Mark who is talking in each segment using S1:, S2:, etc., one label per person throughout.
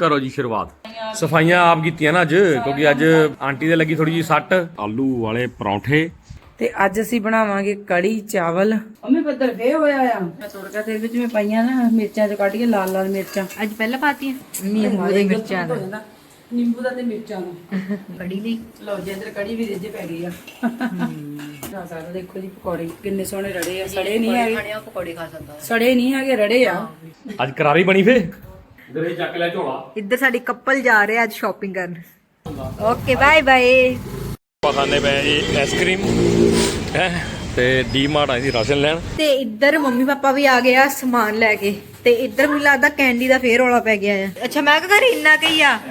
S1: करो जी शुरुआत। सफाइयां आप कीतियां ना अज, क्योंकि अज आंटी दे लगी थोड़ी जी सट। आलू वाले परौंठे
S2: ਤੇ ਅੱਜ ਅਸੀਂ ਬਣਾਵਾਂਗੇ ਕੜੀ ਚਾਵਲ। ਮੰਮੀ ਬੱਦਲ ਫੇ ਹੋਇਆ ਆ। ਮੈਂ ਤੁਰਕਾ ਦੇ ਵਿੱਚ ਮੈਂ ਪਾਈਆਂ ਨਾ ਮਿਰਚਾਂ ਚ ਕੱਢ ਕੇ ਲਾਲ ਲਾਲ ਮਿਰਚਾਂ।
S3: ਅੱਜ ਪਹਿਲਾਂ ਪਾਤੀਆਂ
S2: ਨਿੰਬੂ ਦੇ ਮਿਰਚਾਂ ਦਾ, ਨਿੰਬੂ ਦਾ ਤੇ ਮਿਰਚਾਂ ਦਾ
S3: ਕੜੀ ਲਈ।
S2: ਲਓ ਜੀ ਇੱਧਰ ਕੜੀ ਵੀ ਰਿੱਝ ਪੈ ਗਈ ਆ। ਨਾ ਸਾਰਾ ਦੇਖੋ ਜੀ ਪਕੌੜੇ ਕਿੰਨੇ ਸੋਹਣੇ ਰੜੇ ਆ। ਸੜੇ ਨਹੀਂ ਹੈਗੇ,
S3: ਖਾਣੇ ਆ ਪਕੌੜੇ ਖਾ ਸਕਦਾ।
S2: ਸੜੇ ਨਹੀਂ ਹੈਗੇ, ਰੜੇ ਆ।
S1: ਅੱਜ करारी बनी फे इधर ही चक ले झोला।
S3: ਇੱਧਰ ਸਾਡੀ ਕਪਲ ਜਾ ਰਹੇ ਅੱਜ ਸ਼ਾਪਿੰਗ ਕਰਨ। Okay bye bye.
S1: ਆਪਾਂ ਖਾਣੇ ਪਏ ਜੀ ਆਈਸਕ੍ਰੀਮ ਹੈ ਤੇ ਡੀ ਮਾਰਟ ਆਈ ਸੀ ਰਾਸ਼ਨ ਲੈਣ।
S3: ਤੇ ਇੱਧਰ ਮੰਮੀ ਪਾਪਾ ਵੀ ਆ ਗਏ ਆ ਸਮਾਨ ਲੈ ਕੇ। ਤੇ ਇੱਧਰ ਮੈਨੂੰ ਲੱਗਦਾ ਕੈਂਡੀ ਦਾ ਫੇਰ ਰੌਲਾ ਪੈ ਗਿਆ ਆ। ਅੱਛਾ ਮੈਂ ਕਿਹਾ ਘਰ ਇੰਨਾ ਕਈ ਆ।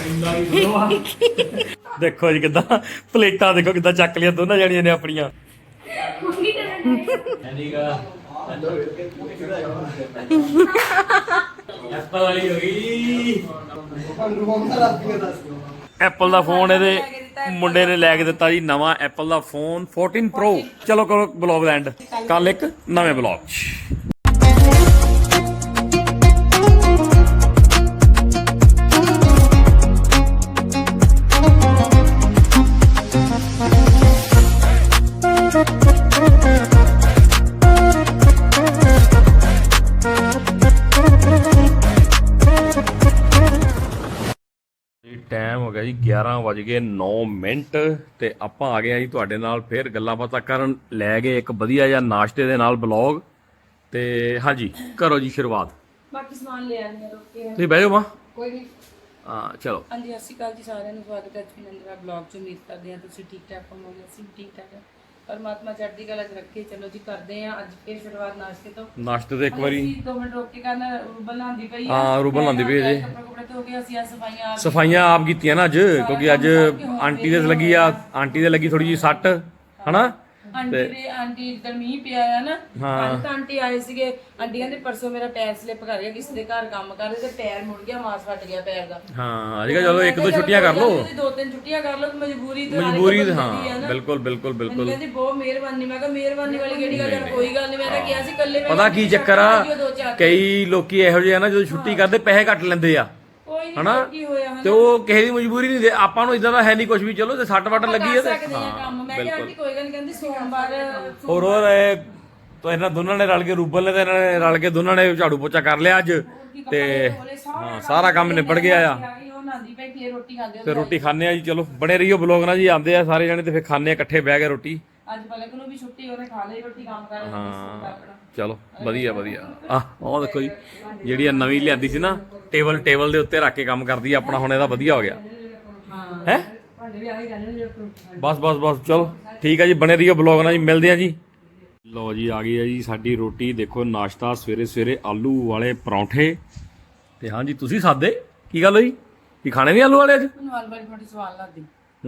S1: ਦੇਖੋ ਜੀ ਕਿਦਾਂ ਪਲੇਟਾਂ ਦੇਖੋ ਕਿਦਾਂ ਚੱਕ ਲਿਆ ਦੋਨਾਂ ਜਣੀਆਂ ਨੇ ਆਪਣੀਆਂ। ਐਪਲ ਵਾਲੀ ਹੋ ਗਈ। ਐਪਲ ਦਾ ਫੋਨ ਇਹਦੇ ਮੁੰਡੇ ਨੇ ਲੈ ਕੇ ਦਿੱਤਾ ਜੀ ਨਵਾਂ ਐਪਲ ਦਾ ਫੋਨ 14 Pro। ਚਲੋ ਕਰੋ ਬਲੌਗ ਦਾ ਐਂਡ, ਕੱਲ ਇੱਕ ਨਵੇਂ ਬਲੌਗ 'ਚ। ਟਾਈਮ ਹੋ ਗਿਆ ਜੀ 11:09 ਤੇ ਆਪਾਂ ਆ ਗਏ ਆ ਜੀ ਤੁਹਾਡੇ ਨਾਲ ਫੇਰ ਗੱਲਾਂ ਬਾਤਾਂ ਕਰਨ। ਲੈ ਗਏ ਇੱਕ ਵਧੀਆ ਜਿਹਾ ਨਾਸ਼ਤੇ ਦੇ ਨਾਲ ਬਲੌਗ। ਤੇ ਹਾਂਜੀ ਕਰੋ ਜੀ ਸ਼ੁਰੂਆਤ।
S2: ਬਾਕੀ ਸਮਾਨ ਲੈ ਆਂਦੇ ਰੋਕੇ
S1: ਤੁਸੀਂ ਬਹਿ ਜਾਓ ਮਾਂ।
S2: ਕੋਈ ਨਹੀਂ।
S1: ਹਾਂ ਚਲੋ।
S2: ਹਾਂਜੀ ਸਤਿ ਸ਼੍ਰੀ ਅਕਾਲ ਜੀ ਸਾਰਿਆਂ ਨੂੰ, ਸਵਾਗਤ ਹੈ ਜਸਵਿੰਦਰ ਬਲੌਗ 'ਚ। ਉਮੀਦ ਕਰਦੇ ਹਾਂ ਤੁਸੀਂ ਠੀਕ ਠਾਕ ਹੋਵੋਗੇ। ਅਸੀਂ ਵੀ ਠੀਕ ਠਾਕ ਹਾਂ। ਪਰਮਾਤਮਾ ਚੜ੍ਹਦੀ ਕਲਾ 'ਚ ਰੱਖੇ। ਚਲੋ ਜੀ ਕਰਦੇ ਹਾਂ ਅੱਜ ਫੇਰ ਸ਼ੁਰੂਆਤ ਨਾਸ਼ਤੇ ਤੋਂ।
S1: ਨਾਸ਼ਤੇ ਤੇ ਇੱਕ ਵਾਰੀ
S2: 2 ਮਿੰਟ ਰੋਕ ਕੇ ਕਰਨਾ। ਰੂਬਲ ਲਾਂਦੀ ਪਈ ਆ।
S1: ਹਾਂ ਰੂਬਲ ਲਾਂਦੀ ਪਈ ਜੇ।
S2: ਕੱਪੜੇ ਧੋ ਕੇ ਅਸੀਂ ਆ ਸਫਾਈਆਂ
S1: ਸਫਾਈਆਂ ਆਪ ਕੀਤੀਆਂ ਨਾ ਅੱਜ, ਕਿਉਂਕਿ ਅੱਜ ਆਂਟੀ ਦੇ ਲੱਗੀ ਆ, ਆਂਟੀ ਦੇ ਲੱਗੀ ਥੋੜੀ ਜੀ ਸੱਟ ਹਨਾ।
S2: ਆਂਟੀ ਇੱਧਰ ਮੀਂਹ ਪਿਆ ਆ ਨਾ। ਕੱਲ ਤਾਂ ਆਂਟੀ ਆਏ ਸੀਗੇ। ਆਂਟੀ ਕਹਿੰਦੇ ਪਰਸੋਂ ਮੇਰਾ ਪੈਰ ਸਲਿੱਪ ਕਰ ਗਿਆ, ਕਿਸੇ ਦੇ ਘਰ ਕੰਮ ਕਰਦੇ ਤੇ ਪੈਰ ਮੁੜ ਗਿਆ, ਮਾਸ ਫਟ ਗਿਆ ਪੈਰ ਦਾ।
S1: ਹਾਂ ਅੱਜ ਚਲੋ ਇੱਕ ਦੋ ਛੁੱਟੀਆਂ ਕਰ ਲਓ।
S2: 2-3 ਛੁੱਟੀਆਂ ਕਰ ਲਓ, ਮਜਬੂਰੀ ਤੇ
S1: ਹਾਂ ਬਿਲਕੁਲ ਬਿਲਕੁਲ ਬਿਲਕੁਲ।
S2: ਕਹਿੰਦੀ ਬਹੁਤ ਮਿਹਰਬਾਨੀ। ਮੈਂ ਕਿਹਾ ਮਿਹਰਬਾਨੀ ਵਾਲੀ ਕਿਹੜੀ ਗੱਲ ਹੈ, ਕੋਈ ਗੱਲ ਨਹੀਂ। ਮੈਂ ਤਾਂ ਕਿਹਾ ਸੀ ਇਕੱਲੇ ਮੈਂ
S1: ਪਤਾ ਕੀ ਚੱਕਰ ਆ, ਕਈ ਲੋਕੀ ਇਹੋ ਜਿਹੇ ਆ ਨਾ ਜਦੋਂ ਛੁੱਟੀ ਕਰਦੇ ਪੈਸੇ ਕੱਟ ਲੈਂਦੇ ਆ ਹਨਾ। ਤੇ ਉਹ ਕਿਸੇ ਦੀ ਮਜਬੂਰੀ ਨਹੀਂ। ਆਪਾਂ ਨੂੰ ਇਦਾਂ ਦਾ ਹੈ ਨਹੀਂ ਕੁਝ ਵੀ। ਚਲੋ ਤੇ ਸੱਟ ਵੱਟ ਲੱਗੀ ਹੈ ਤੇ
S2: ਕੰਮ। ਮੈਂ ਕਿਹਾ ਆਂਟੀ ਕੋਈ ਗੱਲ ਨਹੀਂ। ਕਹਿੰਦੀ ਸੋਮਵਾਰ
S1: ਹੋਰ ਇਹਨਾਂ ਦੋਨਾਂ ਨੇ ਰਲ ਕੇ, ਰੂਬਲ ਨੇ ਤੇ ਇਹਨਾਂ ਨੇ ਰਲ ਕੇ ਦੋਨਾਂ ਨੇ ਝਾੜੂ ਪੋਚਾ ਕਰ ਲਿਆ ਅੱਜ। ਤੇ ਹਾਂ ਸਾਰਾ ਕੰਮ ਨਿਬੜ ਗਿਆ ਆ। ਤੇ ਰੋਟੀ ਖਾਣੇ ਆ ਜੀ। ਚਲੋ ਬਣੇ ਰਹੀਓ ਬਲੌਗ ਨਾਲ ਜੀ। ਆਉਂਦੇ ਆ ਸਾਰੇ ਜਣੇ ਤੇ ਫਿਰ ਖਾਣੇ ਆ ਇਕੱਠੇ ਬਹਿ ਕੇ ਰੋਟੀ।
S2: ਅੱਜ ਪਲਕ ਨੂੰ ਵੀ ਛੁੱਟੀ, ਉਹਨੇ ਖਾ ਲਈ ਰੋਟੀ ਕੰਮ ਕਰ।
S1: ਹਾਂ ਚਲੋ ਵਧੀਆ ਵਧੀਆ। ਉਹ ਦੇਖੋ ਜੀ ਜਿਹੜੀ ਨਵੀਂ ਲਿਆਂਦੀ ਸੀ ਨਾ ਟੇਬਲ ਦੇ ਉੱਤੇ ਰੱਖ ਕੇ ਕੰਮ ਕਰਦੀ ਆ ਆਪਣਾ। ਹੁਣ ਇਹਦਾ ਵਧੀਆ ਹੋ ਗਿਆ ਹੈ। ਬਸ ਬਸ ਬਸ ਚਲੋ ਠੀਕ ਆ ਜੀ। ਬਣੇ ਰਹੀਓ ਬਲੌਗ ਨਾਲ ਜੀ। ਮਿਲਦੇ ਆ ਜੀ। ਲਓ ਜੀ ਆ ਗਈ ਆ ਜੀ ਸਾਡੀ ਰੋਟੀ। ਦੇਖੋ ਨਾਸ਼ਤਾ ਸਵੇਰੇ ਸਵੇਰੇ ਆਲੂ ਵਾਲੇ ਪਰੌਂਠੇ। ਤੇ ਹਾਂਜੀ ਤੁਸੀਂ ਸਾਦੇ ਕੀ ਗੱਲ ਹੋਈ, ਕੀ ਖਾਣੇ ਨਹੀਂ ਆਲੂ ਵਾਲੇ ਅੱਜ?
S2: ਮੈਨੂੰ ਆਲੂ ਵਾਲੀ ਬੜੀ ਸਵਾਦ ਲੱਗਦੀ।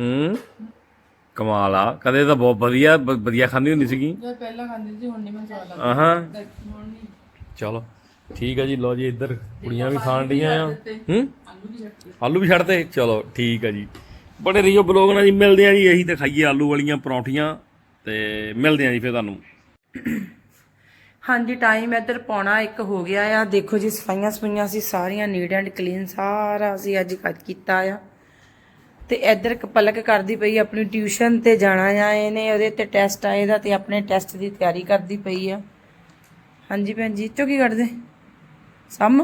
S1: ਕਮਾਲ ਆ। ਕਦੇ ਤਾਂ ਬਹੁਤ ਵਧੀਆ ਖਾਂਦੀ ਹੁੰਦੀ ਸੀਗੀ।
S2: ਜਦ ਪਹਿਲਾਂ ਖਾਂਦੀ ਸੀ, ਹੁਣ ਨਹੀਂ ਮੈਨੂੰ ਸਵਾਦ ਲੱਗਦੀ।
S1: ਹਾਂ
S2: ਹੁਣ ਨਹੀਂ।
S1: ਚਲੋ ਠੀਕ ਹੈ ਜੀ। ਲਓ ਜੀ ਇੱਧਰ ਕੁੜੀਆਂ ਵੀ ਖਾਣ ਡੀਆਂ ਆ। ਆਲੂ ਵੀ ਛੱਡਤੇ। ਚਲੋ ਠੀਕ ਹੈ ਜੀ। ਬੜੇ ਰਹੀਓ ਬਲੌਗ ਨਾਲ ਜੀ। ਮਿਲਦੇ ਆ ਜੀ। ਇਹੀ ਤਾਂ ਖਾਈਏ ਆਲੂ ਵਾਲੀਆਂ ਪਰੌਂਠੀਆਂ ਤੇ ਮਿਲਦੇ ਆ ਜੀ ਫਿਰ ਤੁਹਾਨੂੰ।
S2: ਹਾਂਜੀ ਟਾਈਮ ਇੱਧਰ 1:45 ਹੋ ਗਿਆ ਆ। ਦੇਖੋ ਜੀ ਸਫਾਈਆਂ ਸਫਾਈਆਂ ਸੀ ਸਾਰੀਆਂ ਨੀਟ ਐਂਡ ਕਲੀਨ ਸਾਰਾ ਅਸੀਂ ਅੱਜ ਕੀਤਾ ਆ। ਤੇ ਇੱਧਰ ਪਲਕ ਕਰਦੀ ਪਈ ਆਪਣੀ ਟਿਊਸ਼ਨ ਤੇ ਜਾਣਾ ਆ। ਇਹਨੇ ਉਹਦੇ ਤੇ ਟੈਸਟ ਆਏ ਦਾ ਤੇ ਆਪਣੇ ਟੈਸਟ ਦੀ ਤਿਆਰੀ ਕਰਦੀ ਪਈ ਆ। ਹਾਂਜੀ ਭੈਣ ਜੀ ਚੋ ਕੀ ਕਰਦੇ ਸਮ।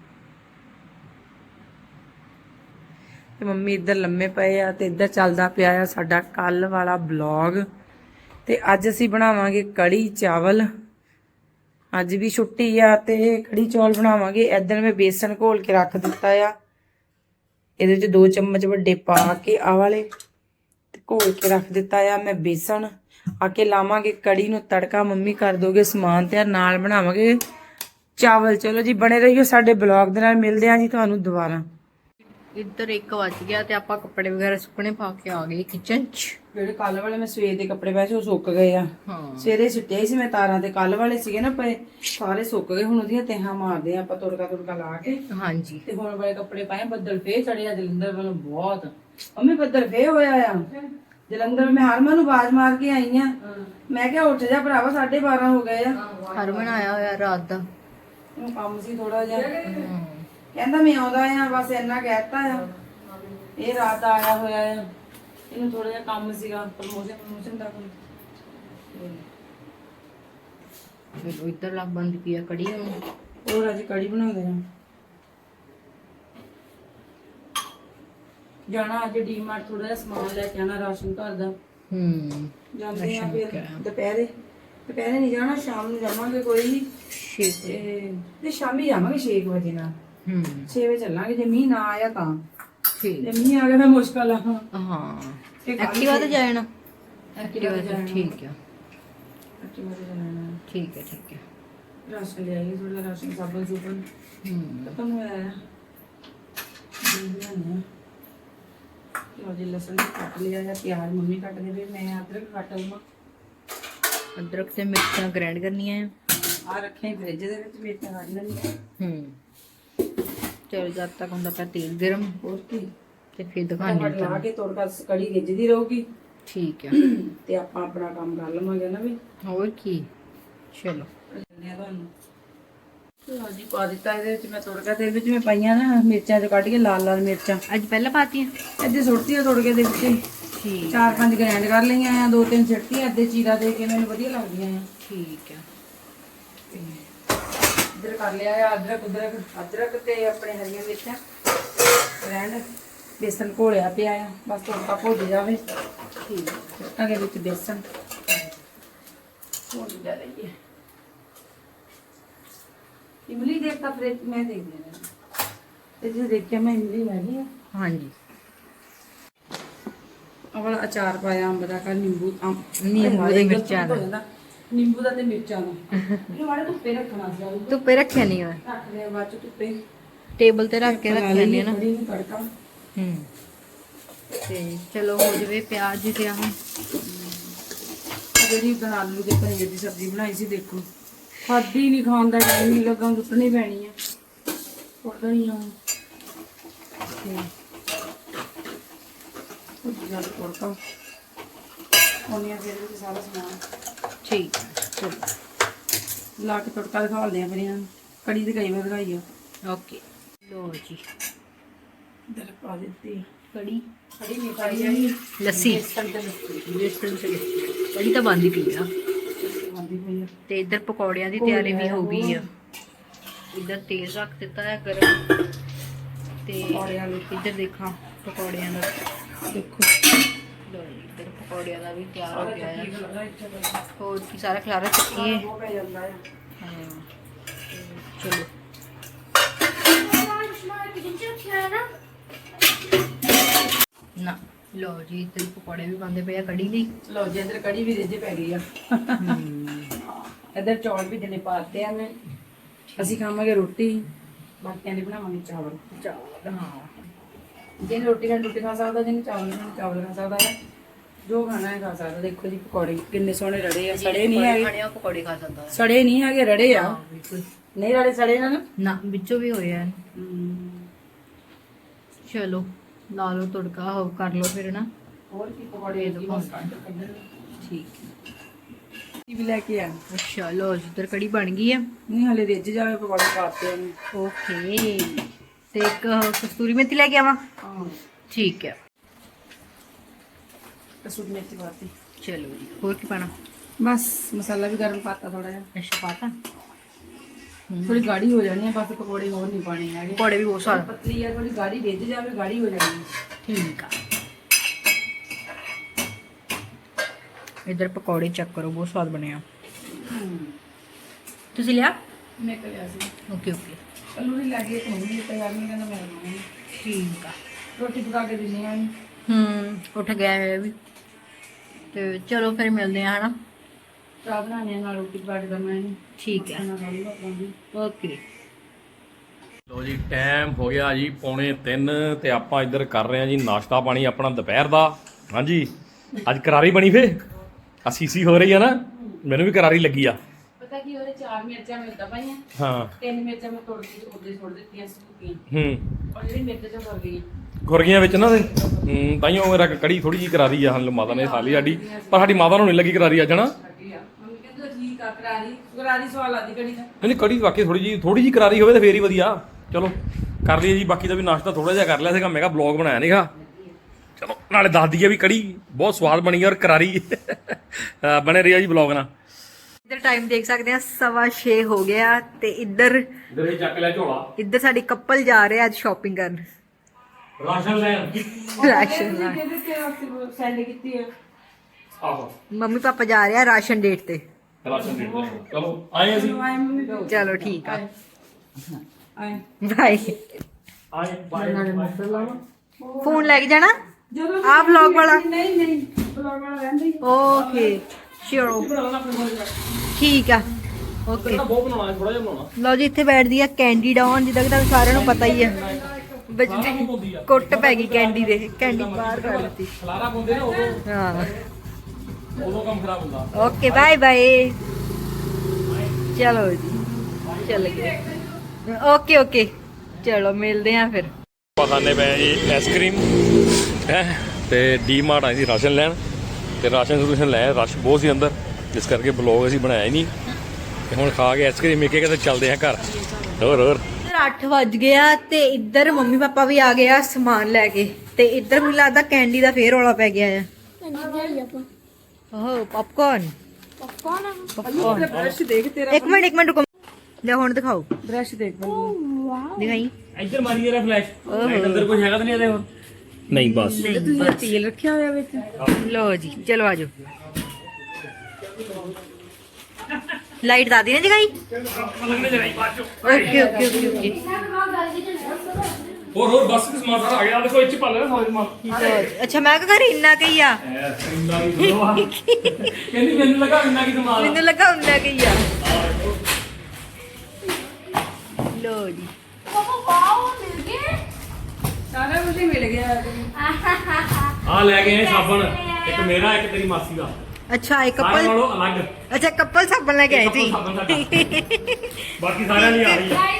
S2: ਤੇ ਮੰਮੀ ਇੱਧਰ ਲੰਮੇ ਪਏ ਆ ਤੇ ਇੱਧਰ ਚੱਲਦਾ ਪਿਆ ਆ ਸਾਡਾ ਕੱਲ ਵਾਲਾ ਬਲੌਗ। ਤੇ ਅੱਜ ਅਸੀਂ ਬਣਾਵਾਂਗੇ ਕੜੀ ਚਾਵਲ। ਅੱਜ ਵੀ ਛੁੱਟੀ ਆ ਤੇ ਕੜੀ ਚੌਲ ਬਣਾਵਾਂਗੇ। ਇੱਧਰ ਮੈਂ ਬੇਸਣ ਘੋਲ ਕੇ ਰੱਖ ਦਿੱਤਾ ਆ। ਇਹਦੇ 'ਚ 2 ਚਮਚ ਵੱਡੇ ਪਾ ਕੇ ਆਹ ਵਾਲੇ ਤੇ ਘੋਲ ਕੇ ਰੱਖ ਦਿੱਤਾ ਆ ਮੈਂ ਬੇਸਣ। ਆ ਕੇ ਲਾਵਾਂਗੇ ਕੜੀ ਨੂੰ ਤੜਕਾ। ਮੰਮੀ ਕਰ ਦੋਗੇ ਸਮਾਨ ਤਿਆਰ, ਨਾਲ ਬਣਾਵਾਂਗੇ ਚਾਵਲ। ਚਲੋ ਜੀ ਬਣੇ ਰਹੀਓ ਸਾਡੇ ਬਲੌਗ ਦੇ ਨਾਲ। ਮਿਲਦੇ ਹਾਂ ਜੀ ਤੁਹਾਨੂੰ ਦੁਬਾਰਾ।
S3: ਇੱਧਰ 1 ਵੱਜ ਗਿਆ ਤੇ ਆਪਾਂ ਕੱਪੜੇ ਵਗੈਰਾ ਸੁੱਕਣੇ ਪਾ ਕੇ ਆ ਗਏ ਕਿਚਨ 'ਚ।
S2: ਜਿਹੜੇ ਕੱਲ ਵਾਲੇ ਮੈਂ ਸਵੇਰ ਦੇ ਕੱਪੜੇ ਪਾਏ ਸੀ ਉਹ ਸੁੱਕ ਗਏ ਆ। ਸਵੇਰੇ ਸਿੱਟੇ ਸੀ ਮੈਂ ਤਾਰਾਂ ਤੇ, ਕੱਲ ਵਾਲੇ ਸੀਗੇ ਨਾ ਪਏ ਸਾਰੇ ਸੁੱਕ ਗਏ। ਹੁਣ ਉਹਦੀਆਂ ਤਹਾਂ ਮਾਰਦੇ ਆ ਆਪਾਂ ਤੁਰਕਾ ਲਾ ਕੇ।
S3: ਹਾਂਜੀ
S2: ਤੇ ਹੁਣ ਵਾਲੇ ਕੱਪੜੇ ਪਾਏ। ਬੱਦਲ ਫੇਰ ਚੜਿਆ ਜਲੰਧਰ ਵੱਲੋਂ ਬਹੁਤ। ਮੰਮੀ ਬੱਦਲ ਫੇਰ ਹੋਇਆ ਆ ਜਲੰਧਰ। ਮੈਂ ਹਰਮਨ ਨੂੰ ਆਵਾਜ਼ ਮਾਰ ਕੇ ਆਈ ਆ। ਮੈਂ ਕਿਹਾ ਉੱਠ ਜਾ ਭਰਾਵਾ, 12:30 ਹੋ ਗਏ ਆ।
S3: ਹਰਮਨ ਆਇਆ ਹੋਇਆ ਰਾਤ ਦਾ।
S2: ਕੰਮ ਸੀ ਥੋੜਾ ਜਿਹਾ। ਕਹਿੰਦਾ ਮੈਂ ਆਉਂਦਾ ਆ, ਬਸ ਇੰਨਾ ਕਹਿਤਾ ਆ। ਇਹ ਰਾਤ ਦਾ ਆਇਆ ਹੋਇਆ ਆ, ਇਹਨੂੰ ਥੋੜਾ ਜਿਹਾ ਕੰਮ ਸੀਗਾ ਪ੍ਰਮੋਸ਼ਨ ਦਾ ਕੋਈ।
S3: ਚਲੋ ਇੱਧਰ ਲੱਗ ਬੰਦ ਪਿਆ ਕੜੀ ਹੁਣ।
S2: ਹੋਰ ਅੱਜ ਕੜੀ ਬਣਾਉਂਦੇ ਆ। ਜਾਣਾ ਅੱਜ ਡੀਮਾਰਟ, ਥੋੜਾ ਜਿਹਾ ਸਮਾਨ ਲੈ ਕੇ ਆਣਾ ਰਾਸ਼ਨ ਘਰ ਦਾ। ਜਾਂਦੇ ਆ ਫਿਰ ਦੁਪਹਿਰੇ ਨਹੀਂ ਜਾਣਾ, ਸ਼ਾਮ ਨੂੰ ਜਾਵਾਂਗੇ ਕੋਈ ਤੇ ਸ਼ਾਮੀ ਜਾਵਾਂਗੇ 6 ਵਜੇ ਨਾਲ। 6 ਵਜੇ ਚੱਲਾਂਗੇ, ਜੇ ਮੀਂਹ ਨਾ ਆਇਆ ਤਾਂ।
S3: ਠੀਕ।
S2: ਜੇ ਮੀਂਹ ਆ ਗਿਆ ਤਾਂ ਮੁਸ਼ਕਲ ਆ।
S3: ਹਾਂ ਐਕਟਿਵਾ ਤੇ ਜਾਣਾ।
S2: ਐਕਟਿਵਾ ਤੇ ਜਾਣਾ।
S3: ਠੀਕ ਆ।
S2: ਐਕਟਿਵਾ ਤੇ ਜਾਣਾ।
S3: ਠੀਕ ਹੈ ਠੀਕ ਹੈ।
S2: ਰਾਸ਼ਨ ਲੈ ਆਈਏ, ਥੋੜਾ ਰਾਸ਼ਨ ਸਾਬਣ ਸੁਬਨ ਖਤਮ ਹੋਇਆ ਆ। ਲੋ ਜੀ ਲਸਣ ਕੱਟ ਲਿਆ ਹੈ, ਪਿਆਜ਼ ਮੰਮੀ ਕੱਟ ਦੇ, ਮੈਂ ਅਦਰਕ ਕੱਟ ਲਵਾਂ।
S3: ਅਦਰਕ ਤੇ ਮਿਰਚਾਂ ਗ੍ਰਾਈਂਡ ਕਰਨੀਆਂ
S2: ਆ ਰੱਖੇ ਫ੍ਰਿਜ ਦੇ ਵਿੱਚ, ਮਿਰਚਾਂ ਕੱਢ ਲੈਣੀਆਂ।
S3: ਚਲੋ ਜਦ ਤੱਕ ਹੁੰਦਾ ਪਿਆ ਤੇਲ ਗਰਮ,
S2: ਹੋਰ ਕੀ,
S3: ਤੇ ਫਿਰ ਦਿਖਾਣੀ
S2: ਲਾ ਕੇ ਤੋੜਕਾ ਕੜੀ ਰਿੱਝਦੀ ਰਹੂਗੀ।
S3: ਠੀਕ ਆ।
S2: ਤੇ ਆਪਾਂ ਆਪਣਾ ਕੰਮ ਕਰ ਲਵਾਂਗੇ ਨਾ ਵੀ।
S3: ਹੋਰ ਕੀ। ਚਲੋ
S2: ਤੁਹਾਨੂੰ ਲਓ ਜੀ ਪਾ ਦਿੱਤਾ ਇਹਦੇ ਵਿੱਚ ਮੈਂ ਤੋੜਕਾ, ਤੇ ਇਹਦੇ ਵਿੱਚ ਮੈਂ ਪਾਈਆਂ ਨਾ ਮਿਰਚਾਂ ਜੋ ਕੱਢ ਕੇ ਲਾਲ ਮਿਰਚਾਂ।
S3: ਅੱਜ ਪਹਿਲਾਂ ਪਾਤੀਆਂ,
S2: ਅੱਧੇ ਸੁੱਟਤੀਆਂ ਤੋੜਕੇ ਦੇ ਵਿੱਚ।
S3: ਠੀਕ।
S2: 4-5 ਗ੍ਰਾਈਂਡ ਕਰ ਲਈਆਂ ਆ, 2-3 ਸਿੱਟਤੀਆਂ, ਅੱਧੇ ਚੀਰਾ ਦੇ ਕੇ ਮੈਨੂੰ ਵਧੀਆ ਲੱਗਦੀਆਂ ਆ।
S3: ਠੀਕ ਆ।
S2: ਇੱਧਰ ਕਰ ਲਿਆ ਆ ਅਦਰਕ ਤੇ ਆਪਣੇ ਹਰੀਆਂ ਮਿਰਚਾਂ ਗ੍ਰਾਈਂਡ। ਬੇਸਨ ਘੋਲਿਆ ਪਿਆ ਆ, ਬਸ ਤੋੜਕਾ ਭੁੱਜ ਜਾਵੇ।
S3: ਠੀਕ।
S2: ਅੱਗੇ ਵਿੱਚ ਬੇਸਨ ਭੁੱਜ ਜਾ ਰਹੀ ਹੈ। ਇਮਲੀ ਦੇਖਤਾ ਫ੍ਰਿਜ, ਮੈਂ ਦੇਖ ਲਿਆ ਤੇ ਜੇ ਦੇਖਿਆ ਮੈਂ ਇਮਲੀ ਹੈਗੀ ਆ।
S3: ਹਾਂਜੀ।
S2: ਵਾਲਾ ਅਚਾਰ ਪਾਇਆ ਅੰਬ ਦਾ, ਕਾ ਨਿੰਬੂ
S3: ਦੇ ਮਿਰਚਾਂ ਦਾ।
S2: ਨਿੰਬੂ ਦਾ ਤੇ ਮਿਰਚਾਂ ਦਾ। ਇਹ ਵਾਲੇ ਧੁੱਪੇ ਰੱਖਣਾ ਸੀ।
S3: ਧੁੱਪੇ ਰੱਖਿਆ ਨਹੀਂ ਹੋਇਆ,
S2: ਰੱਖ ਲਿਆ ਬਾਅਦ ਚ ਧੁੱਪੇ
S3: ਟੇਬਲ ਤੇ ਰੱਖ ਕੇ ਰੱਖਿਆ ਨਹੀਂ ਨਾ।
S2: ਕੜੀ ਨੂੰ ਤੜਕਾ।
S3: ਤੇ ਚਲੋ ਹੋ ਜਵੇ ਪਿਆਜ਼ ਤੇ ਆਹ
S2: ਜਿਹੜੀ ਉਦੋਂ ਆਲੂ ਦੇ ਪਨੀਰ ਦੀ ਸਬਜ਼ੀ ਬਣਾਈ ਸੀ, ਦੇਖੋ ਖਾਦੀ ਨਹੀਂ, ਖਾਣ ਦਾ ਟਾਈਮ ਨਹੀਂ ਲੱਗਾ, ਟੁੱਟਣੀ ਪੈਣੀ ਆ। ਟੁੱਟਣੀ ਆ ਜਦ ਤੜਕਾ ਉਹਨੀਆਂ ਫਿਰ ਵਿੱਚ ਸਾਰਾ ਸਮਾਨ।
S3: ਠੀਕ ਹੈ। ਚਲੋ
S2: ਲਾ ਕੇ ਤੜਕਾ ਦਿਖਾਉਂਦੇ ਆ ਫਿਰ ਇਹਨਾਂ ਨੂੰ। ਕੜੀ ਤੇ ਕਈ ਵਾਰ ਦਿਖਾਈ ਆ।
S3: ਓਕੇ। ਲੋ ਜੀ
S2: ਇਧਰ ਪਾ ਦਿੱਤੀ
S3: ਕੜੀ
S2: ਨਹੀਂ ਪਾਈ ਜਾਣੀ,
S3: ਲੱਸੀ।
S2: ਬੇਸਣ ਤੇ ਲੱਸੀ
S3: ਬੇਸਣ ਤੇ ਕੜੀ ਤਾਂ ਬੰਦ ਹੀ ਪਈ ਆ।
S2: ਆਉਂਦੀ ਪਈ ਆ।
S3: ਤੇ ਇੱਧਰ ਪਕੌੜਿਆਂ ਦੀ ਤਿਆਰੀ ਵੀ ਹੋ ਗਈ ਆ। ਇੱਧਰ ਤੇਲ ਰੱਖ ਦਿੱਤਾ ਹੈ ਗਰਮ, ਤੇ ਇੱਧਰ ਦੇਖਾਂ ਪਕੌੜਿਆਂ ਦਾ
S2: ਦੇਖੋ।
S3: ਲੋ ਜੀ ਇੱਧਰ ਪਕੌੜਿਆਂ ਦਾ ਵੀ ਤਿਆਰ ਹੋ ਗਿਆ ਹੈ। ਹੋਰ ਕੀ ਸਾਰਾ ਖਲਾਰਾ ਚੱਕੀਏ।
S2: ਉਹ ਪੈ ਜਾਂਦਾ ਆ।
S3: ਹਾਂ ਚਲੋ ਨਾ। ਲੋ ਜੀ ਇੱਧਰ ਪਕੌੜੇ ਵੀ ਪਾਉਂਦੇ ਪਏ ਆ ਕੜੀ ਲਈ।
S2: ਲਓ ਜੀ ਇੱਧਰ ਕੜੀ ਵੀ ਰਿੱਝ ਪੈ ਗਈ ਆ। ਇੱਧਰ ਚੌਲ ਵੀ ਜਨੇ ਪਾਤੇ ਆ ਮੈਂ। ਅਸੀਂ ਖਾਵਾਂਗੇ ਰੋਟੀ, ਬਾਕੀਆਂ ਦੀ ਬਣਾਵਾਂਗੇ ਚਾਵਲ।
S3: ਹਾਂ
S2: ਜਿਹਨੇ ਰੋਟੀ ਨਾਲ ਰੋਟੀ ਖਾ ਸਕਦਾ, ਜਿਹਨੇ ਚਾਵਲ ਨਾਲ ਚਾਵਲ ਖਾ ਸਕਦਾ ਹੈ, ਜੋ ਖਾਣਾ ਹੈ ਖਾ ਸਕਦਾ। ਦੇਖੋ ਜੀ ਪਕੌੜੇ ਕਿੰਨੇ ਸੋਹਣੇ ਰੜੇ ਆ, ਸੜੇ ਨਹੀਂ ਹੈਗੇ।
S3: ਖਾਣੇ ਆ ਪਕੌੜੇ ਖਾ ਸਕਦਾ ਹੈ।
S2: ਸੜੇ ਨਹੀਂ ਹੈਗੇ, ਰੜੇ ਆ।
S3: ਬਿਲਕੁਲ
S2: ਨਹੀਂ ਰੜੇ ਸੜੇ ਨਾ।
S3: ਨਾ ਵਿੱਚੋਂ ਵੀ ਹੋਇਆ। ਚਲੋ ਲਾ ਲਓ ਤੜਕਾ, ਹੋ ਕਰ ਲਓ ਫਿਰ ਨਾ।
S2: ਹੋਰ ਕੀ ਪਕੌੜੇ ਬਸ ਕੱਢ
S3: ਠੀਕ
S2: ਵੀ ਲੈ ਕੇ ਆ।
S3: ਅੱਛਾ ਲੋ ਜਿੱਧਰ ਕੜੀ ਬਣ ਗਈ ਆ।
S2: ਨਹੀਂ ਹਲੇ ਰਿੱਝ ਜਾਵੇ, ਪਕੌੜੇ ਪਾਤੇ ਨੇ।
S3: ਓਕੇ। ਤੇ ਇੱਕ ਕਸਤੂਰੀ ਮੇਥੀ ਲੈ ਕੇ ਆਵਾਂ।
S2: ਹਾਂ
S3: ਠੀਕ ਹੈ।
S2: ਕਸੂਰੀ ਮੇਥੀ ਪਾਤੀ।
S3: ਚਲੋ ਜੀ ਹੋਰ ਕੀ ਪਾਣਾ?
S2: ਬਸ ਮਸਾਲਾ ਵੀ ਗਰਮ ਪਾਤਾ ਥੋੜਾ ਜਿਹਾ।
S3: ਅੱਛਾ ਪਾਤਾ।
S2: ਥੋੜੀ ਗਾੜੀ ਹੋ ਜਾਣੀ ਹੈ, ਬਸ ਪਕੌੜੇ ਹੋਰ ਨਹੀਂ ਪਾਣੇ ਹੈਗੇ।
S3: ਪਕੌੜੇ ਵੀ ਬਹੁਤ ਸਵਾਦ।
S2: ਪਤਲੀ ਆ, ਥੋੜੀ ਗਾੜੀ ਰਿੱਝ ਜਾਵੇ, ਗਾੜੀ ਹੋ ਜਾਣੀ।
S3: ਠੀਕ ਆ। ਇਧਰ ਪਕੌੜੇ ਚੈੱਕ ਕਰੋ, ਬਹੁਤ ਸਵਾਦ ਬਣੇ ਆ। ਤੁਸੀਂ ਲਿਆ?
S2: ਮੈਂ ਲਿਆ ਸੀ।
S3: Okay okay.
S2: ਕੱਲੂ ਨਹੀਂ ਲੱਗੀ, ਇੱਕ ਮੰਮੀ ਤਿਆਰ ਨਹੀਂ ਕਹਿੰਦਾ ਮੈਂ ਬਣਾਉਣੀ।
S3: ਠੀਕ ਆ।
S2: ਰੋਟੀ ਪਕਾ ਕੇ ਦਿੰਨੀ ਆ।
S3: ਉੱਠ ਗਿਆ ਹੈ ਵੀ। ਤੇ ਚਲੋ ਫਿਰ ਮਿਲਦੇ ਆ ਹਨਾ।
S2: ਚਾਹ ਬਣਾਉਣੀ ਆ ਨਾਲ ਰੋਟੀ ਪਕਾ ਕੇ ਦਵਾਂ।
S3: ਠੀਕ ਹੈ ਓਕੇ।
S1: ਲੋ ਜੀ ਟਾਈਮ ਹੋ ਗਿਆ ਜੀ 2:45 ਤੇ ਆਪਾਂ ਇੱਧਰ ਕਰ ਰਹੇ ਹਾਂ ਜੀ ਨਾਸ਼ਤਾ ਪਾਣੀ ਆਪਣਾ ਦੁਪਹਿਰ ਦਾ। ਹਾਂਜੀ ਅੱਜ ਕਰਾਰੀ ਬਣੀ ਫੇ ਆ ਸੀਸੀ ਹੋ ਰਹੀ ਆ ਨਾ, ਮੈਨੂੰ ਵੀ ਕਰਾਰੀ ਲੱਗੀ ਆ।
S2: ਪਤਾ ਕੀ ਉਹਦੇ 4 ਮਿਰਚਾਂ ਮੈਂ ਉੱਦਾਂ ਪਾਈਆਂ,
S1: ਹਾਂ
S2: 3 ਮਿਰਚਾਂ ਮੈਂ ਤੋੜ ਕੇ ਉਹਦੇ ਛੋੜ ਦਿੱਤੀਆਂ ਸੁੱਕੀਆਂ। ਔਰ ਜਿਹੜੀ ਮਿਰਚ ਚ ਫਰ ਗਈ
S1: ਖੁਰਗੀਆਂ ਵਿੱਚ ਨਾ ਤੇ ਤਾਈਓ ਮੇਰਾ ਕੜੀ ਥੋੜੀ ਜੀ ਕਰਾਰੀ ਆ। ਹਾਂ ਮਾਤਾ ਨੇ ਖਾ ਲਈ ਸਾਡੀ, ਪਰ ਸਾਡੀ ਮਾਤਾ ਨੂੰ ਨਹੀਂ ਲੱਗੀ ਕਰਾਰੀ ਅੱਜ ਨਾ।
S2: ਮੰਮੀ ਕਹਿੰਦੇ ਠੀਕ ਆ, ਕਰਾਰੀ ਸਵਾਲ ਆਦੀ ਕੜੀ ਦਾ।
S1: ਨਹੀਂ ਕੜੀ ਵਾਕਈ ਥੋੜੀ ਜੀ ਕਰਾਰੀ ਹੋਵੇ ਤਾਂ ਫੇਰ ਹੀ ਵਧੀਆ। ਚਲੋ ਕਰ ਲਈਏ ਜੀ। ਬਾਕੀ ਦਾ ਵੀ ਨਾਸ਼ਤਾ ਥੋੜਾ ਜਿਹਾ ਕਰ ਲਿਆ ਸੀਗਾ, ਮੈਂ ਕਿਹਾ ਬਲੌਗ ਬਣਾਇਆ ਨੀਗਾ, ਚਲੋ ਨਾਲੇ ਦੱਸ ਦਈਏ ਵੀ ਕੜੀ ਬਹੁਤ ਸਵਾਦ ਬਣੀ ਔਰ ਕਰਾਰੀ ਬਣੇ ਰਿਹਾ ਜੀ ਬਲੌਗ ਨਾਲ।
S3: ਇੱਧਰ ਟਾਈਮ ਦੇਖ ਸਕਦੇ ਆ 6:15 ਹੋ ਗਿਆ ਤੇ ਇੱਧਰ
S1: ਚੱਕ ਲਿਆ ਝੋਲਾ,
S3: ਇੱਧਰ ਸਾਡੀ ਕਪਲ ਜਾ ਰਹੇ ਅੱਜ ਸ਼ਾਪਿੰਗ ਕਰਨ,
S1: ਰਾਸ਼ਨ ਲੈਣ।
S3: ਰਾਸ਼ਨ ਲੈਣ।
S2: ਸੈਂਡ ਕੀਤੀ ਹੈ।
S1: ਆਹੋ
S3: ਮੰਮੀ ਪਾਪਾ ਜਾ ਰਹੇ ਆ ਰਾਸ਼ਨ ਡੇਟ ਤੇ।
S1: ਰਾਸ਼ਨ ਦੇ ਚਲੋ ਆਏ ਅਸੀਂ,
S3: ਚਲੋ ਠੀਕ ਆ,
S2: ਆਏ
S3: ਬਾਏ।
S1: ਆਏ ਬਾਏ।
S3: ਫੋਨ ਲੈ ਕੇ ਜਾਣਾ
S2: ਜਦੋਂ
S3: ਆ ਵਲੌਗ ਵਾਲਾ?
S2: ਨਹੀਂ ਬਲੌਗ ਵਾਲਾ ਰਹਿੰਦਾ ਹੀ।
S3: ਓਕੇ ਸ਼ੋਰ, ਠੀਕ ਆ ਓਕੇ।
S1: ਬਹੁਤ ਬਣਾਉਣਾ, ਥੋੜਾ ਜਿਹਾ ਬਣਾਉਣਾ।
S3: ਲਓ ਜੀ ਇੱਥੇ ਬੈਠਦੀ ਆ ਕੈਂਡੀ ਡਾਊਨ, ਜਿੱਦਾਂ ਕਿ ਤੁਹਾਨੂੰ ਸਾਰਿਆਂ ਨੂੰ ਪਤਾ ਹੀ ਆ। ਕੁੱਟ ਪੈ ਗਈ ਕੈਂਡੀ ਦੇ, ਕੈਂਡੀ ਬਾਹਰ ਕੱਢ ਦਿੱਤੀ।
S1: ਖਲਾਰਾ ਪਾਉਂਦੇ ਨੇ ਉਦੋਂ,
S3: ਹਾਂ
S1: ਉਦੋਂ ਕੰਮ ਖਰਾਬ ਹੁੰਦਾ।
S3: Okay bye bye. ਚਲੋ ਜੀ ਚੱਲ ਗਏ। ਓਕੇ ਓਕੇ ਚਲੋ ਮਿਲਦੇ ਆ ਫਿਰ।
S1: ਆਪਾਂ ਖਾਣੇ ਪਏ ਜੀ ਆਈਸਕ੍ਰੀਮ ਹੈ ਤੇ ਡੀ-ਮਾਰਟ ਆਏ ਸੀ ਰਾਸ਼ਨ ਲੈਣ, ਤੇ ਰਾਸ਼ਨ ਲੈ ਰਸ਼ ਬਹੁਤ ਸੀ ਅੰਦਰ, ਜਿਸ ਕਰਕੇ ਬਲੌਗ ਅਸੀਂ ਬਣਾਇਆ ਹੀ ਨਹੀਂ। ਤੇ ਹੁਣ ਖਾ ਕੇ ਆਈਸਕ੍ਰੀਮ ਇੱਕ ਤੇ ਚੱਲਦੇ ਆ ਘਰ। ਹੋਰ
S3: 8 ਵੱਜ ਗਿਆ ਤੇ ਇੱਧਰ ਮੰਮੀ ਪਾਪਾ ਵੀ ਆ ਗਏ ਆ ਸਮਾਨ ਲੈ ਕੇ, ਤੇ ਇੱਧਰ ਮੈਨੂੰ ਲੱਗਦਾ ਕੈਂਡੀ ਦਾ ਫੇਰ ਰੌਲਾ ਪੈ ਗਿਆ ਆ। ਓਹ ਪੌਪਕਾਰਨ
S2: ਬ੍ਰਸ਼ ਦੇਖ ਤੇਰਾ,
S3: ਇੱਕ ਮਿੰਟ ਰੁਕੋ, ਲੈ ਹੁਣ ਦਿਖਾਓ,
S2: ਬ੍ਰਸ਼ ਦੇਖ
S3: ਦਿਖਾਈ।
S1: ਇੱਧਰ ਮਾਰੀ ਜਰਾ ਫਲੈਸ਼, ਅੰਦਰ ਕੁਝ ਹੈਗਾ ਤਾਂ ਨਹੀਂ ਇਹਦੇ ਹੋਰ? ਨਹੀਂ ਬਸ
S2: ਤੁਸੀਂ ਤੇਲ ਰੱਖਿਆ ਹੋਇਆ ਵਿੱਚ।
S3: ਲੋ ਜੀ ਚਲੋ ਆਜੋ। ਲਾਈਟ ਦਾਦੀ ਨੇ ਜਗਾਈ। Okay okay okay okay.
S1: ਹੋਰ ਬਸ ਸਮਾਨ ਸਾਰਾ ਆ ਗਿਆ, ਦੇਖੋ ਇੱਥੇ ਪਾ ਲੈਣਾ ਸਾਰੇ ਸਮਾਨ।
S3: ਅੱਛਾ ਮੈਂ ਕਿਹਾ ਘਰ ਇੰਨਾ ਕਈ ਆ,
S1: ਕਹਿੰਦੀ ਮੈਨੂੰ ਲੱਗਾ ਇੰਨਾ ਕੀ ਸਮਾਨ।
S3: ਮੈਨੂੰ ਲੱਗਾ ਉਨਾ ਕਈ ਆ। ਲੋ ਜੀ
S2: ਸਾਰਾ ਕੁਝ ਹੀ ਮਿਲ ਗਿਆ।
S1: ਆ ਲੈ ਗਏ ਸਾਬਣ, ਇੱਕ ਮੇਰਾ ਇੱਕ ਤੇਰੀ ਮਾਸੀ ਦਾ,
S3: ਅੱਛਾ ਇੱਕ
S1: ਸਾਰਿਆਂ
S3: ਕਪਲ,
S1: ਨਾਲੋਂ ਅਲੱਗ।
S3: ਅੱਛਾ ਕਪਲ ਸਾਬਣ ਲੈ ਕੇ ਆਏ ਸੀ।
S1: ਸਾਬਣ ਸਾਡਾ। ਬਾਕੀ ਸਾਰਿਆਂ ਲਈ ਆ ਰਹੀ ਹੈ।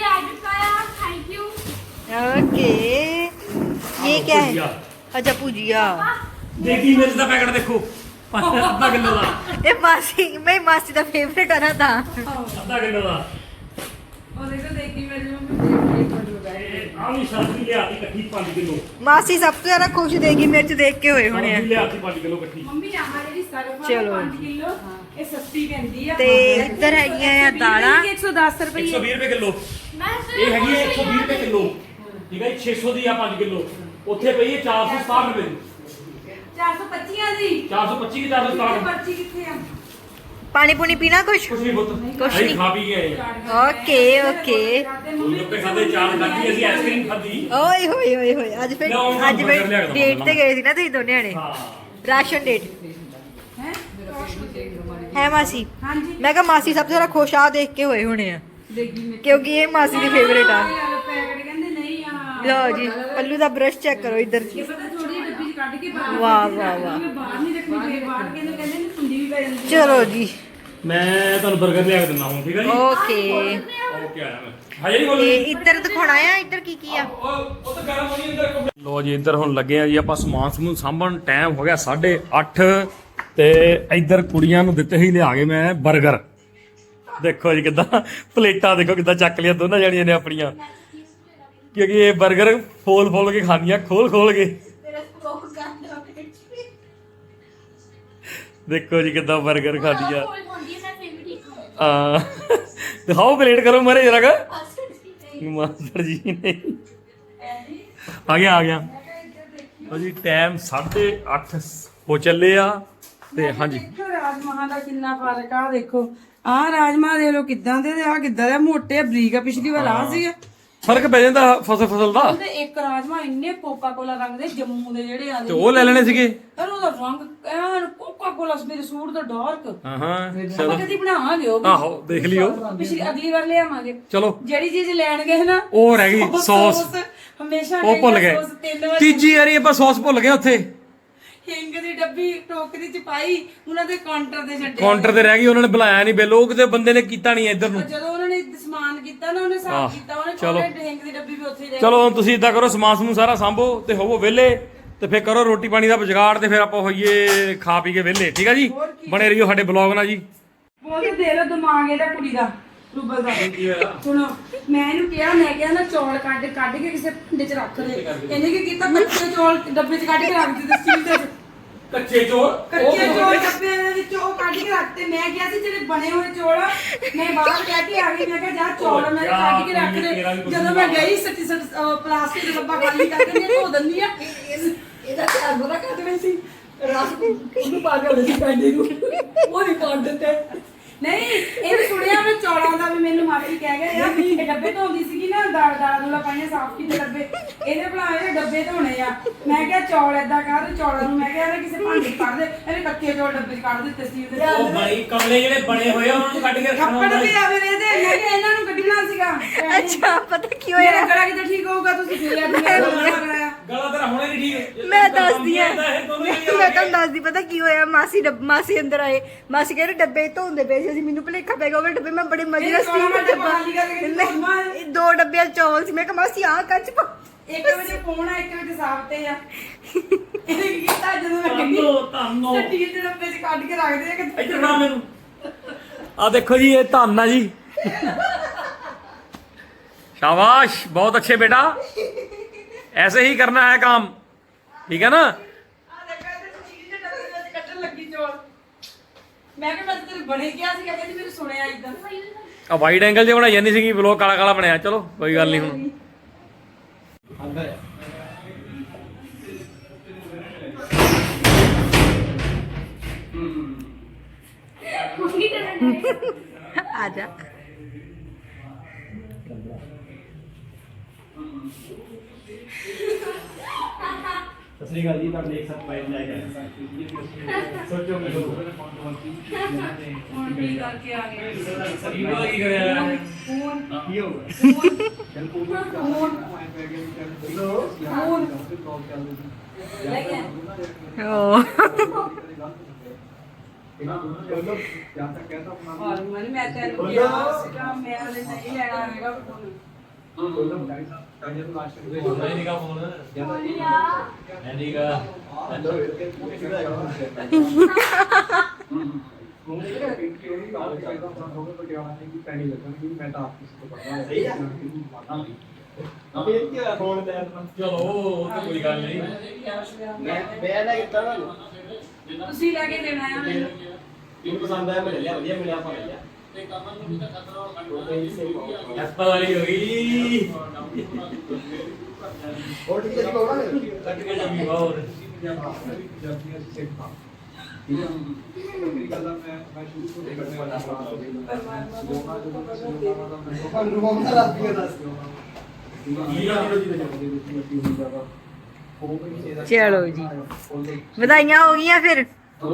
S3: ओके ये क्या है? अच्छा भुजिया।
S1: देखी मिर्च का पैकेट देखो, आधा किलो का।
S3: ये मासी, मैं मासी का फेवरेट है ना था।
S1: आधा किलो का।
S2: ਉਹ ਦੇਖੋ ਦੇਖੀ ਮੇਰੀ ਮੰਮੀ ਦੇਖ
S1: आ भी सब्जी ले आती कट्ठी 5 किलो।
S3: मासी सबसे ज्यादा खुश देगी मिर्च देख के हुए होने
S1: सब्जी ले आती 5 किलो कट्ठी।
S2: ਮੰਮੀ ਆਹ ਜਿਹੜੀ ਸਰਫ
S3: ਚਲੋ
S2: 5 ਕਿਲੋ ਇਹ ਸਸਤੀ ਪੈਂਦੀ ਆ।
S3: ਤੇ ਇੱਧਰ ਹੈਗੀਆਂ ਆ ਦਾਲਾਂ
S2: 110 ਰੁਪਏ।
S1: 120 रुपए किलो। ਇਹ ਹੈਗੀ ਹੈ 120 रुपए किलो। ਠੀਕ ਹੈ 600 ਦੀ ਆ 5 ਕਿਲੋ। ਉੱਥੇ ਪਈ ਹੈ 460 ਰੁਪਏ ਦੀ।
S2: 425 ਦੀ
S1: 425 की 460।
S2: ਪਰਚੀ ਕਿੱਥੇ ਆ?
S3: पानी पुनी पीना कुछ?
S1: ਕੁਛ ਨਹੀਂ ਪੁੱਤ,
S3: ਕੁਛ
S1: ਅਸੀਂ
S3: ਨਹੀਂ।
S1: ਖਾ ਪੀ ਗਏ।
S3: Okay okay.
S1: ਗੋਲਗੱਪੇ ਖਾਦੇ, ਚਾਟ ਖਾਧੀ, ਅਸੀਂ ਆਈਸਕ੍ਰੀਮ ਖਾਧੀ।
S3: ओए होए होए होए आज फिर
S1: ਲਿਆਓ,
S3: आज
S1: ਬਰਗਰ
S3: फिर
S1: ਲਿਆ ਕੇ ਦਵਾਂ
S3: डेट पे गए थे ना तुम दोनों ने
S1: ਹਾਂ
S3: राशन डेट
S2: ਹੈ
S3: है मासी।
S2: ਹਾਂਜੀ
S3: मैं कहा मासी सबसे ज्यादा खुश आ देख के हुए होने हैं
S2: ਦੇਖੀ ਮੈਂ
S3: क्योंकि ये मासी की फेवरेट आ।
S2: ਪੈਕਟ ਕਹਿੰਦੇ ਨਹੀਂ ਆ।
S3: लो जी पल्लू का ब्रश चेक करो इधर।
S2: ਇਹ ਪਤਾ ਥੋੜੀ ਜਿਹੀ ਡੱਬੀ ਚ ਕੱਢ ਕੇ ਬਾਹਰ
S3: वाह वाह वाह।
S2: ਮੈਂ ਬਾਹਰ ਨਹੀਂ ਰੱਖਣੀ ਤੇ ਬਾਹਰ ਕਹਿੰਦੇ ਨੇ ਕੁੰਡੀ ਵੀ ਪੈ ਜਾਂਦੀ।
S3: चलो जी
S1: ਮੈਂ ਤੁਹਾਨੂੰ 버ਗਰ ਲਿਆ ਕੇ ਦਿੰਦਾ ਹਾਂ, ਠੀਕ ਹੈ ਜੀ।
S3: ओके।
S1: ਓਕੇ ਆਇਆ ਮੈਂ ਹਜੇ ਨਹੀਂ
S3: ਤੇ
S1: ਬੋਲੀ।
S3: ਇੱਧਰ ਦਿਖਾਉਣਾ ਆ ਇੱਧਰ ਕੀ ਕੀ ਆ।
S1: ਉਹ ਤਾਂ ਗਰਮ ਹੋਣੀ ਅੰਦਰ। ਲੋ ਜੀ ਇੱਧਰ ਹੁਣ ਲੱਗੇ ਆ ਜੀ ਆਪਾਂ ਸਮਾਨ ਸਮੂਨ ਸਾਂਭਣ। ਟਾਈਮ ਹੋ ਗਿਆ 8:30 ਤੇ ਇੱਧਰ ਕੁੜੀਆਂ ਨੂੰ ਦਿੱਤੇ ਹੀ ਲਿਆ ਕੇ ਮੈਂ 버ਗਰ। ਦੇਖੋ ਜੀ ਕਿੱਦਾਂ ਪਲੇਟਾਂ ਦੇਖੋ ਕਿੱਦਾਂ ਚੱਕ ਲਿਆ ਦੋਨਾਂ ਜਣੀਆਂ ਨੇ ਆਪਣੀਆਂ, ਕਿਉਂਕਿ ਇਹ 버ਗਰ ਫੋਲ ਕੇ ਖਾਣੀਆਂ, ਖੋਲ ਕੇ। ਦੇਖੋ ਜੀ ਕਿੱਦਾਂ 버ਗਰ ਖਾਂਦੀ ਆ। ਦਿਖਾਓ ਪਲੇਟ ਕਰੋ ਮਾਰੇ ਜਰਾ ਕਾ। ਮਾਸਟਰ ਜੀ ਨੇ ਆ ਗਿਆ ਲਓ ਜੀ ਟਾਈਮ 8:30 ਹੋ ਚੱਲੇ ਆ। ਤੇ ਹਾਂਜੀ
S2: ਦੇਖੋ ਰਾਜਮਾਹਾਂ ਦਾ ਕਿੰਨਾ ਫਰਕ ਆ। ਦੇਖੋ ਆਹ ਰਾਜਮਾ ਦੇਖ ਲਓ ਕਿੱਦਾਂ ਦੇ, ਆ ਕਿੱਦਾਂ ਦੇ ਮੋਟੇ ਆ, ਬਰੀਕ ਆ। ਪਿਛਲੀ ਵਾਰ ਆ ਸੀ
S1: ਫਰਕ ਪੈ ਜਾਂਦਾ ਫਸਲ ਦਾ।
S2: ਤੇ ਇੱਕ ਰਾਜਮਾ ਇੰਨੇ ਕੋਕਾ ਕੋਲਾ ਰੰਗ ਦੇ ਜੰਮੂ ਦੇ ਜਿਹੜੇ
S1: ਤੇ
S2: ਆਦੇ
S1: ਉਹ ਲੈ ਲੈਣੇ ਸੀਗੇ।
S2: ਪਰ ਉਹਦਾ ਰੰਗ ਐਨ ਕੋਕਾ ਕੋਲਾ ਮੇਰੇ ਸੂਟ ਦਾ ਡਾਰਕ।
S1: ਹਾਂ
S2: ਆਪਾਂ ਕਦੀ ਬਣਾਵਾਂਗੇ ਉਹ ਵੀ।
S1: ਆਹੋ ਦੇਖ ਲਿਓ,
S2: ਪਿਛਲੀ ਅਗਲੀ ਵਾਰ ਲਿਆਵਾਂਗੇ।
S1: ਚਲੋ
S2: ਜਿਹੜੀ ਚੀਜ਼ ਲੈਣ ਗਏ ਨਾ
S1: ਉਹ ਰਹਿ ਗਈ ਸੌਸ,
S2: ਹਮੇਸ਼ਾ
S1: ਉਹ ਭੁੱਲ ਗਏ।
S2: ਸੌਸ 3 ਵਾਰ
S1: ਤੀਜੀ ਵਾਰੀ ਆਪਾਂ ਸੌਸ ਭੁੱਲ ਗਏ ਉੱਥੇ
S2: ਹਿੰਗ ਦੀ ਡੱਬੀ ਟੋਕਰੀ ਚ ਪਾਈ, ਉਹਨਾਂ ਦੇ ਕਾਊਂਟਰ ਤੇ ਛੱਡੇ।
S1: ਕਾਊਂਟਰ ਤੇ ਰਹਿ ਗਈ, ਉਹਨਾਂ ਨੇ ਬੁਲਾਇਆ ਨਹੀਂ ਬਿੱਲ, ਉਹ ਕਿਤੇ ਬੰਦੇ ਨੇ ਕੀਤਾ ਨਹੀਂ ਇੱਧਰ ਨੂੰ।
S2: ਜਦੋਂ ਉਹਨਾਂ ਨੇ ਸਮਾਨ ਕੀਤਾ ਨਾ, ਉਹਨੇ ਸਾਫ ਕੀਤਾ, ਉਹਨੇ
S1: ਚਲੋ।
S2: ਕੋਲੇ ਹਿੰਗ ਦੀ ਡੱਬੀ ਵੀ ਉੱਥੇ ਹੀ ਰਹਿ
S1: ਚਲੋ ਹੁਣ ਤੁਸੀਂ ਇਦਾਂ ਕਰੋ, ਸਮਾਨ ਸਮੂਨ ਸਾਰਾ ਸਾਂਭੋ ਤੇ ਹੋਵੋ ਵਿਹਲੇ, ਤੇ ਫਿਰ ਕਰੋ ਰੋਟੀ ਪਾਣੀ ਦਾ ਵਿਗਾੜ, ਤੇ ਫਿਰ ਆਪਾਂ ਹੋਈਏ ਖਾ ਪੀ ਕੇ ਵਿਹਲੇ। ਠੀਕ ਆ ਜੀ, ਬਣੇ ਰਹੀਓ ਸਾਡੇ ਬਲੌਗ ਨਾਲ ਜੀ।
S2: ਬੋਲ ਦੇ ਲੋ ਦਿਮਾਗ ਇਹਦਾ ਕੁੜੀ ਦਾ। ਰੂਬਲ ਦਾ ਸੁਣੋ ਮੈਂ ਇਹਨੂੰ ਕਿਹਾ ਨਾ ਚੌਲ ਕੱਢ ਕੇ ਕਿਸੇ ਭਾਂਡੇ 'ਚ ਰੱਖ ਦੇ ਇਹਨੇ ਕੀ ਕੀਤਾ ਕੱਚੇ ਚੌਲ ਡੱਬੇ 'ਚ ਕੱਢ ਕੇ ਰੱਖ ਦਿੱਤੇ ਸਟੀਲ ਦੇ
S1: ਕੱਚੇ ਚੌਲ
S2: ਡੱਬੇ ਦੇ ਵਿੱਚ ਉਹ ਕੱਢ ਕੇ ਰੱਖਤੇ ਮੈਂ ਕਿਹਾ ਸੀ ਜਿਹੜੇ ਬਣੇ ਹੋਏ ਚੌਲ ਮੈਂ ਬਾਹਰ ਕਹਿ ਕੇ ਆ ਗਈ ਮੈਂ ਕਿਹਾ ਜਾ ਚੌਲ ਮੈਂ ਕੱਢ ਕੇ ਰੱਖ ਦੇ ਜਦੋਂ ਮੈਂ ਗਈ ਸੱਚੀ ਪਲਾਸਟਿਕ ਦਾ ਡੱਬਾ ਖਾਲੀ ਕਰਕੇ ਮੈਂ ਧੋ ਦਿੰਦੀ ਆ ਇਹਦਾ ਧਿਆਨ ਬੜਾ ਕਰਦੇ ਸੀ ਰਸ ਉਹਨੂੰ ਪਾ ਕੇ ਉਹਦੇ ਪੈਂਦੇ ਨੂੰ ਉਹ ਨਹੀਂ ਕੱਢ ਦਿੱਤੇ ਨਹੀਂ ਇਹ ਸੁਣਿਆ ਮੈਂ ਚੌਲਾਂ ਦਾ ਵੀ ਮੈਨੂੰ ਮਾਫੀ ਕਹਿ ਗਿਆ ਯਾਰ ਇਹ ਡੱਬੇ ਧੋਂਦੀ ਸੀਗੀ ਨਾ ਦਾਲਾਂ ਦੂਲਾਂ ਪਾਈਆਂ ਸਾਫ਼ ਕੀਤੇ ਡੱਬੇ ਇਹਦੇ ਬਣਾਏ ਡੱਬੇ ਧੋਣੇ ਆ ਮੈਂ ਕਿਹਾ ਚੌਲ ਏਦਾਂ ਕਰ ਚੌਲਾਂ ਨੂੰ ਮੈਂ ਕਿਹਾ ਕਿਸੇ ਭਾਂਡੇ 'ਚ ਕੱਢ ਦੇ ਇਹਨੇ ਕੱਚੇ ਚੌਲ ਡੱਬੇ 'ਚ ਕੱਢ ਦਿੱਤੇ ਸੀ ਉਹਦੇ
S1: ਉਹ ਬਾਈ ਕਮਲੇ ਜਿਹੜੇ ਬਣੇ ਹੋਏ ਆ ਉਹਨਾਂ ਨੂੰ ਕੱਢ ਕੇ ਰੱਖਣਾ
S2: ਕੱਪੜ ਵੀ ਆਵੇ ਇਹਦੇ ਮੈਂ ਕਿਹਾ ਇਹਨਾਂ ਨੂੰ ਕੱਢਣਾ ਸੀਗਾ
S3: ਅੱਛਾ ਪਤਾ ਕੀ
S2: ਮੇਰਾ
S3: ਹੋਇਆ
S2: ਗਲਾ ਕਿਤੇ ਠੀਕ ਹੋਊਗਾ ਤੁਸੀਂ ਫੇਰ
S1: ਗਲਾ ਤੇਰਾ ਹੁਣੇ ਨਹੀਂ ਠੀਕ
S3: ਮੈਂ ਦੱਸਦੀ ਆ ਮੈਂ ਤੁਹਾਨੂੰ ਦੱਸਦੀ ਪਤਾ ਕੀ ਹੋਇਆ ਮਾਸੀ ਅੰਦਰ ਆਏ ਮਾਸੀ ਕਹਿੰਦੇ ਡੱਬੇ ਧੋਂਦੇ ਪਏ ਸੀ ਅਸੀਂ ਮੈਨੂੰ ਭੁਲੇਖਾ ਪੈ ਗਿਆ ਉਹ ਡੱਬੇ ਮੈਂ ਬੜੇ ਮਜ਼ੇ ਨਾਲ ਸੀ ਦੋ ਡੱਬੇ ਚੌਲ ਸੀ ਮੈਂ ਕਿਹਾ ਮਾਸੀ ਆਹ ਕੱਚ ਪਾ
S2: 1 ਵਜੇ ਫੋਨ ਆ 1 ਵਜੇ ਸਾਫ ਤੇ ਆ ਇਹਨੇ ਕੀ ਕੀਤਾ ਜਦੋਂ ਮੈਂ ਕਹਿੰਦੀ
S1: ਧੰਨੋ
S2: ਸਟੀਲ ਦੇ ਡੱਬੇ 'ਚ ਕੱਢ ਕੇ ਰੱਖਦੇ ਆ ਕਿ
S1: ਇੱਧਰ ਫੜਾ ਮੈਨੂੰ ਆ ਦੇਖੋ ਜੀ ਇਹ ਧੰਨ ਆ ਜੀ शाबाश बहुत अच्छे बेटा ऐसे ही करना है काम ठीक है ना
S2: ਮੈਂ ਕਿਹਾ ਮੈਂ ਤੇਰੇ ਬਣੇ ਕਿਹਾ ਸੀ ਕਹਿੰਦੀ ਮੈਨੂੰ ਸੁਣਿਆ ਇਦਾਂ
S1: ਆ ਵਾਈਡ ਐਂਗਲ ਜੇ ਬਣਾਈ ਜਾਂਦੀ ਸੀਗੀ ਬਲੌਗ ਕਾਲਾ ਕਾਲਾ ਬਣਿਆ ਚਲੋ ਕੋਈ ਗੱਲ ਨਹੀਂ ਹੁਣ
S3: ਆ ਜਾ
S4: ਸਤਿ ਸ਼੍ਰੀ ਅਕਾਲ ਜੀ ਤੁਹਾਡੇ ਇੱਕ ਸਾਥ ਪਾਇਲ ਜਾਏਗਾ ਸੋਚੋ ਕਿ
S2: ਹੁਣ ਕੀ ਕਰਕੇ ਆ ਗਏ
S1: ਕੀ ਕਰਿਆ
S4: ਕੀ ਹੋਊਗਾ
S2: ਮੈਂ ਤੈਨੂੰ ਕਿਹਾ ਸੀਗਾ ਮੈਂ ਹਲੇ ਨਹੀਂ ਲੈਣਾ ਹੈਗਾ ਫੋਨ
S1: ਚਲੋ ਕੋਈ ਗੱਲ ਨਹੀਂ
S2: ਤੁਸੀਂ ਲੈ ਕੇ ਦੇਣਾ ਆ ਮੈਨੂੰ
S4: ਮੈਨੂੰ ਪਸੰਦ ਆਇਆ ਮੈਂ ਲਿਆ ਵਧੀਆ ਮਿਲਿਆ ਆਪਾਂ ਲਿਆ
S1: ਐਪਲ ਵਾਲੀ ਹੋ ਗਈ
S4: ਹੋਰ ਠੀਕ ਹੈ ਜੀ ਬਾਬਾ
S1: ਕੱਟ ਕੇ ਜਮੀ ਹੋਰ
S4: ਮੇਰੀ ਗੱਲ ਮੈਂ ਸ਼ੁਰੂ ਤੋਂ ਦੇਖਣ ਵਾਲਾ
S3: ਚਲੋ ਜੀ ਵਧਾਈਆਂ ਹੋ ਗਈਆਂ ਫਿਰ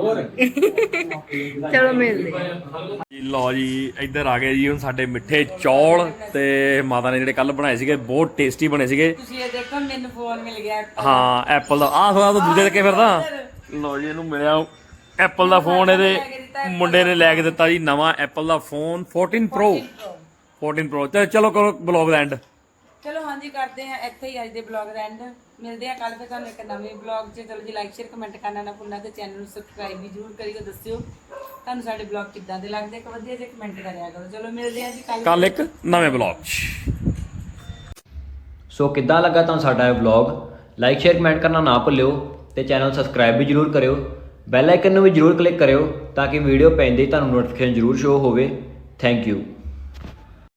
S3: ਚਲੋ ਮਿਲਦੇ
S1: ਜੀ ਲਓ ਜੀ ਇੱਧਰ ਆ ਗਏ ਜੀ ਹੁਣ ਸਾਡੇ ਮਿੱਠੇ ਚੌਲ ਤੇ ਮਾਤਾ ਨੇ ਜਿਹੜੇ ਕੱਲ ਬਣਾਏ ਸੀਗੇ ਬਹੁਤ ਟੇਸਟੀ ਬਣੇ ਸੀਗੇ
S2: ਤੁਸੀਂ ਇਹ ਦੇਖੋ ਮੈਨੂੰ ਫੋਨ ਮਿਲ ਗਿਆ
S1: ਹਾਂ ਐਪਲ ਦਾ ਆਹ ਥੋੜਾ ਤਾਂ ਦੂਜੇ ਲੱਗੇ ਫਿਰਦਾ ਲਓ ਜੀ ਇਹਨੂੰ ਮਿਲਿਆ ਐਪਲ ਦਾ ਫੋਨ ਇਹਦੇ ਮੁੰਡੇ ਨੇ ਲੈ ਕੇ ਦਿੱਤਾ ਜੀ ਨਵਾਂ ਐਪਲ ਦਾ ਫੋਨ 14 Pro ਤੇ ਚਲੋ ਕਰੋ ਬਲੌਗ ਦਾ ਐਂਡ
S2: ਚਲੋ ਹਾਂਜੀ ਕਰਦੇ ਆ ਇੱਥੇ ਹੀ ਅੱਜ ਦੇ ਬਲੌਗ ਦਾ ਐਂਡ ਮਿਲਦੇ ਆ ਕੱਲ ਫਿਰ ਤੁਹਾਨੂੰ ਇੱਕ ਨਵੇਂ ਬਲੌਗ 'ਚ ਚਲੋ ਜੀ ਲਾਈਕ ਸ਼ੇਅਰ ਕਮੈਂਟ ਕਰਨਾ ਨਾ ਭੁੱਲਣਾ ਤੇ ਚੈਨਲ ਨੂੰ ਸਬਸਕ੍ਰਾਈਬ ਵੀ ਜ਼ਰੂਰ ਕਰਿਓ ਦੱਸਿਓ ਤੁਹਾਨੂੰ ਸਾਡੇ ਬਲੌਗ ਕਿੱਦਾਂ ਦੇ ਲੱਗਦੇ ਇੱਕ ਵਧੀਆ ਜਿਹਾ ਕਮੈਂਟ ਕਰਿਆ ਕਰੋ ਚਲੋ ਮਿਲਦੇ ਆ ਜੀ
S1: ਕੱਲ ਇੱਕ ਨਵੇਂ ਬਲੌਗ 'ਚ
S5: ਸੋ ਕਿੱਦਾਂ ਲੱਗਾ ਤੁਹਾਨੂੰ ਸਾਡਾ ਇਹ ਵਲੌਗ ਲਾਈਕ ਸ਼ੇਅਰ ਕਮੈਂਟ ਕਰਨਾ ਨਾ ਭੁੱਲਿਓ ਤੇ ਚੈਨਲ ਸਬਸਕ੍ਰਾਈਬ ਵੀ ਜਰੂਰ ਕਰਿਓ ਬੈਲ ਆਈਕਨ ਨੂੰ ਵੀ ਜਰੂਰ ਕਲਿੱਕ ਕਰਿਓ ਤਾਂ ਕਿ ਵੀਡੀਓ ਪੈਂਦੇ ਹੀ ਤੁਹਾਨੂੰ ਨੋਟੀਫਿਕੇਸ਼ਨ ਜਰੂਰ ਸ਼ੋ ਹੋਵੇ ਥੈਂਕ ਯੂ